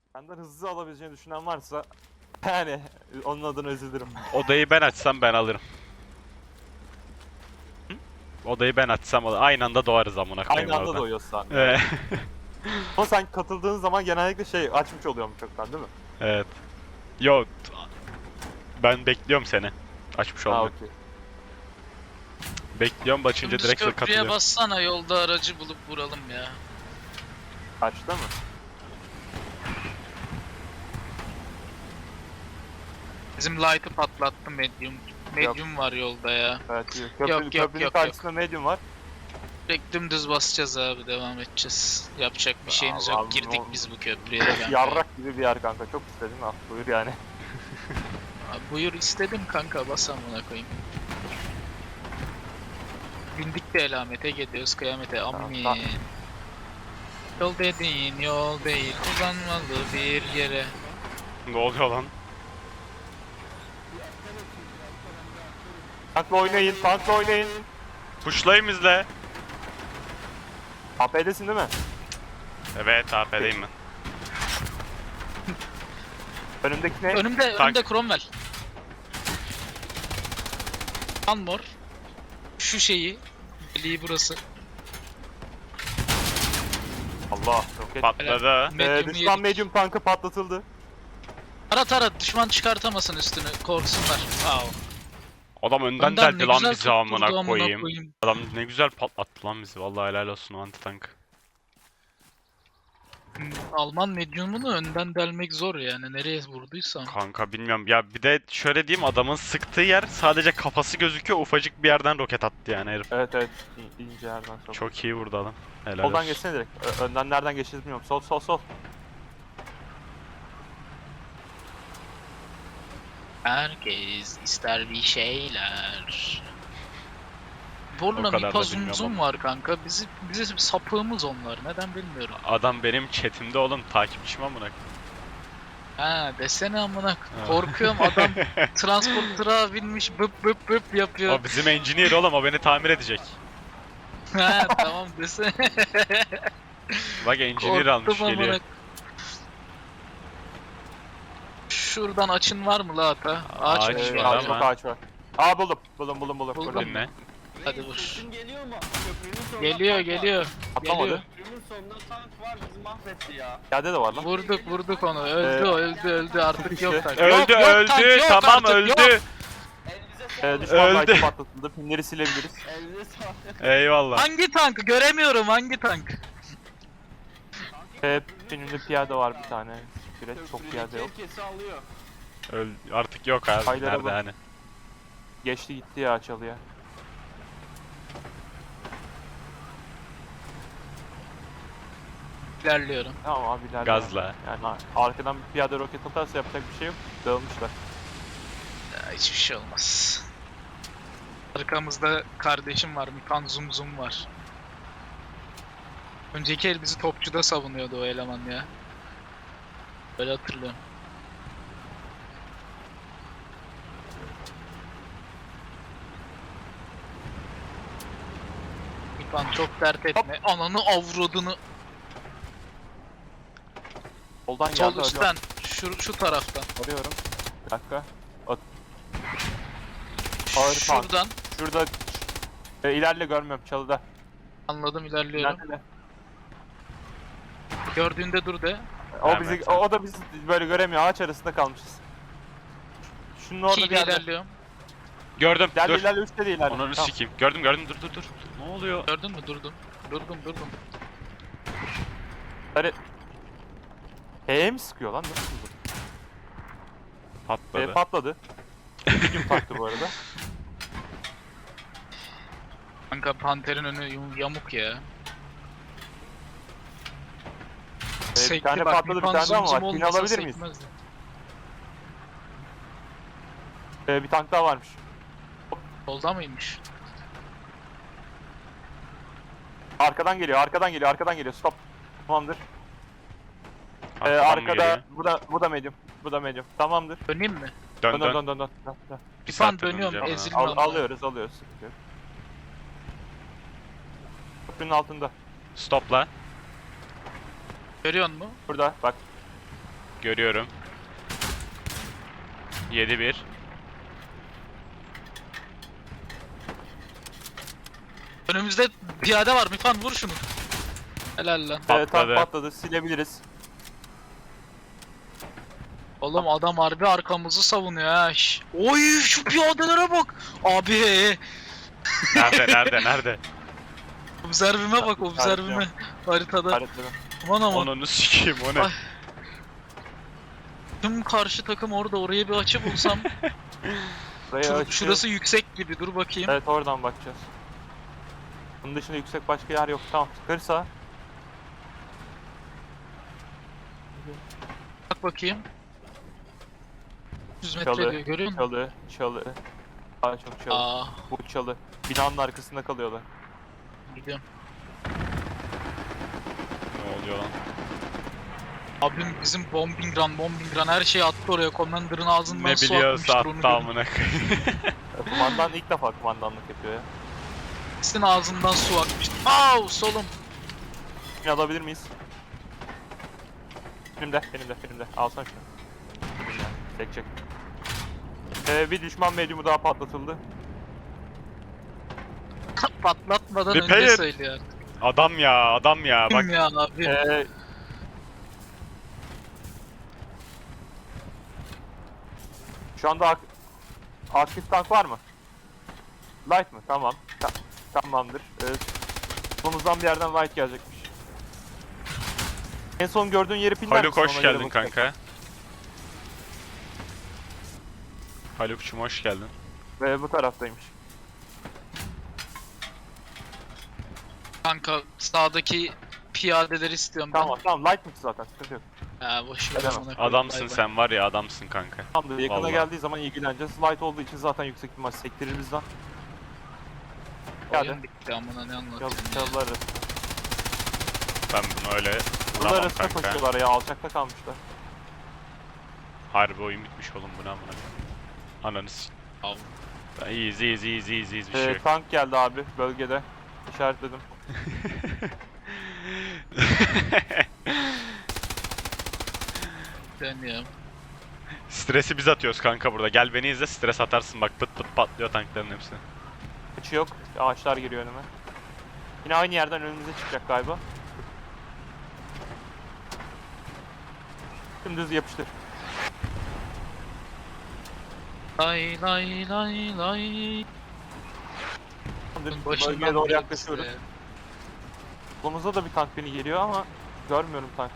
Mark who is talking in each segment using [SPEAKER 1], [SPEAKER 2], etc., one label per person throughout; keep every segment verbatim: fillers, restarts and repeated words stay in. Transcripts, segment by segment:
[SPEAKER 1] Benden hızlı alabileceğini düşünen varsa yani onun adına üzülürüm.
[SPEAKER 2] Odayı ben açsam ben alırım. Hı? Odayı ben açsam alırım. Aynı anda doğarız amına koyayım
[SPEAKER 1] Aynı anda
[SPEAKER 2] orada.
[SPEAKER 1] doyuyorsun sen.
[SPEAKER 2] Evet.
[SPEAKER 1] Ama sen katıldığın zaman genellikle şey açmış oluyormuş çoktan değil mi?
[SPEAKER 2] Evet. Yo, ben bekliyorum seni. Açmış
[SPEAKER 1] Ha
[SPEAKER 2] olmak.
[SPEAKER 1] okey.
[SPEAKER 2] Bekliyorum, açınca
[SPEAKER 3] Dümdüz
[SPEAKER 2] direkt
[SPEAKER 3] köprüye
[SPEAKER 2] katılıyorum.
[SPEAKER 3] bassana, yolda aracı bulup vuralım ya.
[SPEAKER 1] Kaçta mı?
[SPEAKER 3] Bizim light'ı patlattı medium. Medium var yolda ya.
[SPEAKER 1] Evet iyi. Köprü,
[SPEAKER 3] Yok, yok,
[SPEAKER 1] köprünün
[SPEAKER 3] yok,
[SPEAKER 1] karşısında medium var.
[SPEAKER 3] Direkt dümdüz basacağız abi, devam edeceğiz. Yapacak bir şeyimiz
[SPEAKER 1] Allah'ım,
[SPEAKER 3] yok. Girdik
[SPEAKER 1] o-
[SPEAKER 3] biz bu köprüye de kanka.
[SPEAKER 1] Yarrak gibi bir yer kanka. Çok istedim ha. Buyur yani.
[SPEAKER 3] Abi buyur istedim kanka, bas amına koyayım. Bindik de elamete, gidiyoruz kıyamete, amin.
[SPEAKER 1] tamam.
[SPEAKER 3] Yol dediğin yol değil, uzanmalı bir yere.
[SPEAKER 2] Ne oluyor lan?
[SPEAKER 1] Tankla oynayın, tankla oynayın.
[SPEAKER 2] Pushlayayım izle.
[SPEAKER 1] A P'desin değil mi?
[SPEAKER 2] Evet, A P'deyim ben.
[SPEAKER 1] Önümdeki ne?
[SPEAKER 3] Önümde,
[SPEAKER 2] Tank.
[SPEAKER 3] önümde Cromwell. Anmor. Şu şeyi, deliği burası.
[SPEAKER 1] Allah. Roket.
[SPEAKER 2] Patladı.
[SPEAKER 1] Ee,
[SPEAKER 3] Medium'u
[SPEAKER 1] düşman
[SPEAKER 3] yedik.
[SPEAKER 1] medium tankı patlatıldı.
[SPEAKER 3] Tara tara, düşman çıkartamasın üstünü, korksunlar. Wow.
[SPEAKER 2] Adam önden
[SPEAKER 3] Önden
[SPEAKER 2] deldi
[SPEAKER 3] ne
[SPEAKER 2] lan
[SPEAKER 3] güzel
[SPEAKER 2] bizi
[SPEAKER 3] tutturdu
[SPEAKER 2] amına
[SPEAKER 3] amına
[SPEAKER 2] koyayım.
[SPEAKER 3] koyayım.
[SPEAKER 2] Adam ne güzel patlattı lan bizi. Vallahi helal olsun o anti-tank.
[SPEAKER 3] Hmm, Alman medyumunu önden delmek zor yani, nereye vurduysam.
[SPEAKER 2] Kanka bilmiyorum ya, bir de şöyle diyeyim, adamın sıktığı yer sadece kafası gözüküyor, ufacık bir yerden roket attı yani herif.
[SPEAKER 1] Evet evet. İ- ince yerden sok.
[SPEAKER 2] Çok iyi vurdu adam. Helal
[SPEAKER 1] Soldan
[SPEAKER 2] olsun.
[SPEAKER 1] geçsene direkt. Ö- önden nereden geçeceğiz bilmiyorum. Sol sol sol.
[SPEAKER 3] Herkes ister bir şeyler.
[SPEAKER 2] O
[SPEAKER 3] Borla
[SPEAKER 2] kadar da
[SPEAKER 3] Mipa
[SPEAKER 2] bilmiyorum
[SPEAKER 3] Zum
[SPEAKER 2] ama.
[SPEAKER 3] var kanka. Bizi, bize sapığımız onlar. Neden bilmiyorum.
[SPEAKER 2] Adam benim chatimde oğlum, takipçim amına.
[SPEAKER 3] Ha desene amına.
[SPEAKER 2] Ha.
[SPEAKER 3] Korkuyorum, adam transporter'a binmiş, bıp bıp bıp yapıyor.
[SPEAKER 2] O bizim engineer oğlum, o beni tamir edecek.
[SPEAKER 3] Ha tamam desene.
[SPEAKER 2] Bak engineer almış
[SPEAKER 3] Korktum
[SPEAKER 2] geliyor.
[SPEAKER 3] amına. Şuradan açın var mı la ata? Ağaç
[SPEAKER 2] Ağaç
[SPEAKER 3] mı?
[SPEAKER 1] Ee,
[SPEAKER 2] var
[SPEAKER 1] ağaç,
[SPEAKER 2] ama.
[SPEAKER 1] çok ağaç var. Aa buldum. Buldum buldum buldum.
[SPEAKER 3] Buldun
[SPEAKER 1] Burada.
[SPEAKER 3] mu?
[SPEAKER 2] Ne?
[SPEAKER 3] Hadi vur.
[SPEAKER 4] Sesim geliyor mu? Köprünün sonunda
[SPEAKER 3] Geliyor
[SPEAKER 4] tank var.
[SPEAKER 3] geliyor.
[SPEAKER 1] Atlamadı.
[SPEAKER 3] Geliyor.
[SPEAKER 4] Köprünün sonunda tank var, bizi mahvetti ya.
[SPEAKER 1] Yerde de var lan.
[SPEAKER 3] Vurduk vurduk onu. Öldü
[SPEAKER 1] Ee,
[SPEAKER 3] o, öldü öldü artık
[SPEAKER 1] işte.
[SPEAKER 3] yok tank.
[SPEAKER 2] Öldü
[SPEAKER 3] Yok, yok
[SPEAKER 2] öldü
[SPEAKER 3] tank, yok
[SPEAKER 2] tamam
[SPEAKER 3] artık,
[SPEAKER 2] öldü.
[SPEAKER 3] yok.
[SPEAKER 4] Elinize
[SPEAKER 1] Ee,
[SPEAKER 4] sağlık.
[SPEAKER 1] düşman
[SPEAKER 2] Öldü.
[SPEAKER 1] light'ı patlatıldı. Pinleri silebiliriz.
[SPEAKER 4] Elinize sağlık.
[SPEAKER 2] Eyvallah.
[SPEAKER 3] Hangi tank? Göremiyorum hangi tank.
[SPEAKER 1] Ee, pinimde piyade var bir tane. Süreç çok piyade yok.
[SPEAKER 4] Köprüdeki herkesi alıyor.
[SPEAKER 2] Öl artık yok abi.
[SPEAKER 1] Haydar'a
[SPEAKER 2] Nerede
[SPEAKER 1] bak.
[SPEAKER 2] hani?
[SPEAKER 1] Geçti gitti ya çalıya.
[SPEAKER 3] İlerliyorum.
[SPEAKER 1] Tamam abi ileride.
[SPEAKER 2] Gazla.
[SPEAKER 1] Yani arkadan bir piyade roket atarsa yapacak bir şey yok. Dağılmışlar.
[SPEAKER 3] Ya, hiçbir şey olmaz. Arkamızda kardeşim var. Mipan Zum Zum var. Önceki el bizi topçuda savunuyordu o eleman ya. Böyle hatırlıyorum. Mipan çok dert etme. Ananı avradını.
[SPEAKER 1] Soldan geldi.
[SPEAKER 3] Sol
[SPEAKER 1] arıyorum.
[SPEAKER 3] üstten. Şu, şu taraftan.
[SPEAKER 1] Arıyorum. Bir dakika. At. Ağır tank.
[SPEAKER 3] Şuradan.
[SPEAKER 1] Şurada. E, ilerle görmüyorum çalıda.
[SPEAKER 3] Anladım, ilerliyorum.
[SPEAKER 1] İlerle.
[SPEAKER 3] Gördüğünde dur de.
[SPEAKER 1] O
[SPEAKER 2] Evet,
[SPEAKER 1] bizi
[SPEAKER 2] evet.
[SPEAKER 1] o, o da bizi böyle göremiyor. Ağaç arasında kalmışız. Şunun orada bir
[SPEAKER 3] İkiyle
[SPEAKER 1] yerde.
[SPEAKER 3] ilerliyorum.
[SPEAKER 2] Gördüm.
[SPEAKER 1] İlerle
[SPEAKER 2] Dur.
[SPEAKER 1] ilerle üstte de ilerle.
[SPEAKER 2] Onu
[SPEAKER 1] Tamam.
[SPEAKER 2] sikeyim. Gördüm gördüm. Dur dur dur. Ne oluyor?
[SPEAKER 3] Gördün mü? Durdum. Durdum durdum.
[SPEAKER 1] Hadi. H'ye mi sıkıyor lan? Nasıl bu?
[SPEAKER 2] Patladı.
[SPEAKER 1] E, patladı. Medium taktı bu arada.
[SPEAKER 3] Kanka Panter'in önü yum- yamuk ya.
[SPEAKER 1] E, bir
[SPEAKER 3] Sekti
[SPEAKER 1] tane
[SPEAKER 3] bak,
[SPEAKER 1] patladı bir
[SPEAKER 3] Mipan
[SPEAKER 1] tane
[SPEAKER 3] Zum
[SPEAKER 1] ama
[SPEAKER 3] Zum
[SPEAKER 1] var. Pin
[SPEAKER 3] olmasa
[SPEAKER 1] alabilir miyiz?
[SPEAKER 3] sekmezdi.
[SPEAKER 1] E, bir tank daha varmış.
[SPEAKER 3] Solda mıymış?
[SPEAKER 1] Arkadan geliyor, arkadan geliyor, arkadan geliyor. Stop. Tamamdır. E,
[SPEAKER 2] Arkadan mı
[SPEAKER 1] arkada
[SPEAKER 2] geliyor?
[SPEAKER 1] bu da bu da medium. Bu da medium. Tamamdır.
[SPEAKER 3] Döneyim mi?
[SPEAKER 2] Dön
[SPEAKER 1] Dön
[SPEAKER 2] dön.
[SPEAKER 1] dön dön dön. dön, dön.
[SPEAKER 2] Bir
[SPEAKER 3] Mipan
[SPEAKER 2] saattir
[SPEAKER 3] dönüyorum,
[SPEAKER 2] döneceğim ha.
[SPEAKER 3] ezilme.
[SPEAKER 1] Al,
[SPEAKER 3] Bilmem
[SPEAKER 1] alıyoruz, alıyoruz. Sıkıntı yok. Köprünün altında.
[SPEAKER 2] Stopla.
[SPEAKER 3] Görüyor musun?
[SPEAKER 1] Burada bak.
[SPEAKER 2] Görüyorum. yedi bir.
[SPEAKER 3] Önümüzde piyade var. Mifan vur şunu. Helal lan.
[SPEAKER 1] Evet, tank
[SPEAKER 2] Patladı.
[SPEAKER 1] patladı. Silebiliriz.
[SPEAKER 3] Oğlum adam harbi arkamızı savunuyor ha. Şş. Oy şu piyadelere bak. Abi.
[SPEAKER 2] Nerede nerede nerede?
[SPEAKER 3] Observime bak observime. Haritada.
[SPEAKER 1] Haritleri.
[SPEAKER 3] Aman aman.
[SPEAKER 2] Onunu sikeyim o ne?
[SPEAKER 3] Ay. Tüm karşı takım orada, oraya bir açı bulsam.
[SPEAKER 1] Burayı
[SPEAKER 3] Şur-
[SPEAKER 1] açıyor.
[SPEAKER 3] şurası yüksek gibi, dur bakayım.
[SPEAKER 1] Evet, oradan bakacağız. Bunun dışında yüksek başka yer yok. Tamam, kırsa.
[SPEAKER 3] Bak bakayım. yüz metre
[SPEAKER 1] Çalı,
[SPEAKER 3] diyor, görüyor musun?
[SPEAKER 1] çalı, çalı. Daha çok çalı.
[SPEAKER 3] Aa,
[SPEAKER 1] Bu çalı. Binanın arkasında kalıyorlar.
[SPEAKER 3] gidiyorum.
[SPEAKER 2] Ne oluyor lan?
[SPEAKER 3] Abim bizim bombing run, bombing run her şeyi attı oraya. Commander'ın ağzından
[SPEAKER 2] Ne
[SPEAKER 3] su
[SPEAKER 2] biliyorsa
[SPEAKER 3] akmıştır, onu
[SPEAKER 2] attı
[SPEAKER 3] görün.
[SPEAKER 2] amına koyayım.
[SPEAKER 1] E, Kumandan ilk defa kumandanlık yapıyor ya.
[SPEAKER 3] Sizin ağzından su akmıştır. Au solum.
[SPEAKER 1] Şunu alabilir miyiz? Benim de, benim de, benim de. Alsana şunu. Çek çek. Ee, bir düşman medyumu daha patlatıldı.
[SPEAKER 3] Patlatmadan
[SPEAKER 2] Bir
[SPEAKER 3] önce
[SPEAKER 2] payet.
[SPEAKER 3] söylüyor.
[SPEAKER 2] Adam ya adam ya bak.
[SPEAKER 3] Kim ya abi?
[SPEAKER 1] Ee, şu anda ak- aktif tank var mı? Light mı? Tamam. Ta- tamamdır. Ee, solumuzdan bir yerden light gelecekmiş. En son gördüğün yeri pinler
[SPEAKER 2] Haluk
[SPEAKER 1] misin?
[SPEAKER 2] hoş
[SPEAKER 1] Ona göre
[SPEAKER 2] geldin
[SPEAKER 1] bakacağım.
[SPEAKER 2] kanka. Haluk'cum hoş geldin.
[SPEAKER 1] Ve bu taraftaymış.
[SPEAKER 3] Kanka sağdaki piyadeleri istiyorum ben.
[SPEAKER 1] Tamam tamam, light mı zaten, sıkıntı yok.
[SPEAKER 3] Ha boş ver
[SPEAKER 1] Edemem.
[SPEAKER 3] amına koyayım,
[SPEAKER 2] Adamsın
[SPEAKER 3] bay bay.
[SPEAKER 2] sen var ya adamsın kanka.
[SPEAKER 1] Tamamdır, yakına
[SPEAKER 2] Vallahi.
[SPEAKER 1] geldiği zaman ilgileneceğiz. Light olduğu için zaten yüksek ihtimal sektirir bizden. Geldi.
[SPEAKER 3] Oyun bitti amına, ne
[SPEAKER 1] Yaz,
[SPEAKER 3] anlatıyorsun ya.
[SPEAKER 1] çalılar arasında.
[SPEAKER 2] Ben bunu öyle
[SPEAKER 1] Çalılar
[SPEAKER 2] vuramam
[SPEAKER 1] arasında
[SPEAKER 2] kanka.
[SPEAKER 1] koşuyorlar ya, alçakta kalmışlar.
[SPEAKER 2] Harbi oyun bitmiş oğlum bu ne amına koyayım. Ananı s***.
[SPEAKER 3] Al.
[SPEAKER 2] Ben iyiyiz iyiyiz iyiyiz iyiyiz iyiyiz bir şey
[SPEAKER 1] Ee,
[SPEAKER 2] yok.
[SPEAKER 1] tank geldi abi bölgede. İşaretledim.
[SPEAKER 3] Dönüyorum.
[SPEAKER 2] Stresi biz atıyoruz kanka burada. Gel beni izle stres atarsın bak pıt pıt patlıyor tankların hepsi.
[SPEAKER 1] Hiç yok. Ağaçlar giriyor önüme. Yine aynı yerden önümüze çıkacak galiba. Dümdüz yapıştır.
[SPEAKER 3] Lay lay lay lay.
[SPEAKER 1] Tamamdır,
[SPEAKER 3] Başından
[SPEAKER 1] bölgeye doğru
[SPEAKER 3] beri
[SPEAKER 1] yaklaşıyoruz.
[SPEAKER 3] size.
[SPEAKER 1] Solumuzda da bir tank beni geliyor ama görmüyorum tank.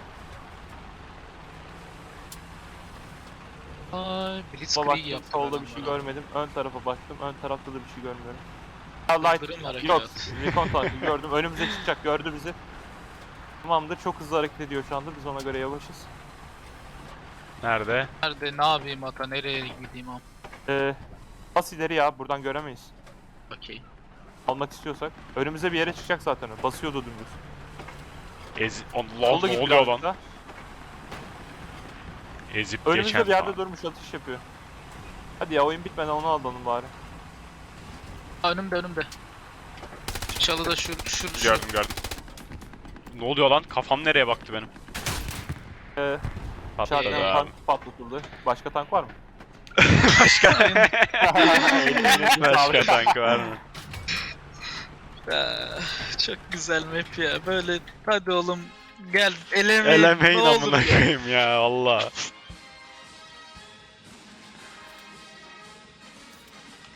[SPEAKER 3] Ay,
[SPEAKER 1] Sola
[SPEAKER 3] Blitzkrieg
[SPEAKER 1] baktım,
[SPEAKER 3] yaptı.
[SPEAKER 1] solda
[SPEAKER 3] adam
[SPEAKER 1] bir şey
[SPEAKER 3] bana.
[SPEAKER 1] görmedim. Ön tarafa baktım, ön tarafta da bir şey görmüyorum. Ha,
[SPEAKER 3] Yıldırım
[SPEAKER 1] light,
[SPEAKER 3] harekat.
[SPEAKER 1] yok. Recon tankı gördüm, önümüze çıkacak, gördü bizi. Tamamdır, çok hızlı hareket ediyor şu anda, biz ona göre yavaşız.
[SPEAKER 2] Nerede?
[SPEAKER 3] Nerede, ne yapayım ata, nereye gideyim am?
[SPEAKER 1] Ee, bas ileri ya, buradan göremeyiz.
[SPEAKER 3] Okey.
[SPEAKER 1] Almak istiyorsak. Önümüze bir yere çıkacak zaten o, basıyordu dümdüz.
[SPEAKER 2] Ez... Allah
[SPEAKER 1] Solda
[SPEAKER 2] ne
[SPEAKER 1] gitti
[SPEAKER 2] oluyor
[SPEAKER 1] birazcık
[SPEAKER 2] lan?
[SPEAKER 1] da.
[SPEAKER 2] Ezip
[SPEAKER 1] Önümüzde
[SPEAKER 2] geçen.
[SPEAKER 1] bir yerde durmuş, atış yapıyor. Hadi ya, oyun bitmeden onu alalım bari.
[SPEAKER 3] Ha, önümde önümde. Şu çalıda şu şu şu.
[SPEAKER 2] Gördüm gördüm. Ne oluyor lan? Kafam nereye baktı benim?
[SPEAKER 1] Ee,
[SPEAKER 2] Patladı
[SPEAKER 1] içeriden
[SPEAKER 2] abi.
[SPEAKER 1] tank patlatıldı. Başka tank var mı?
[SPEAKER 2] Başka
[SPEAKER 1] Elinize
[SPEAKER 2] Başka
[SPEAKER 1] sağlık.
[SPEAKER 2] tank var mı?
[SPEAKER 3] Ah, çok güzel map ya. Böyle hadi oğlum gel elemeyin.
[SPEAKER 2] Elemeyin
[SPEAKER 3] ne olur
[SPEAKER 2] amına
[SPEAKER 3] ya.
[SPEAKER 2] koyayım ya Allah.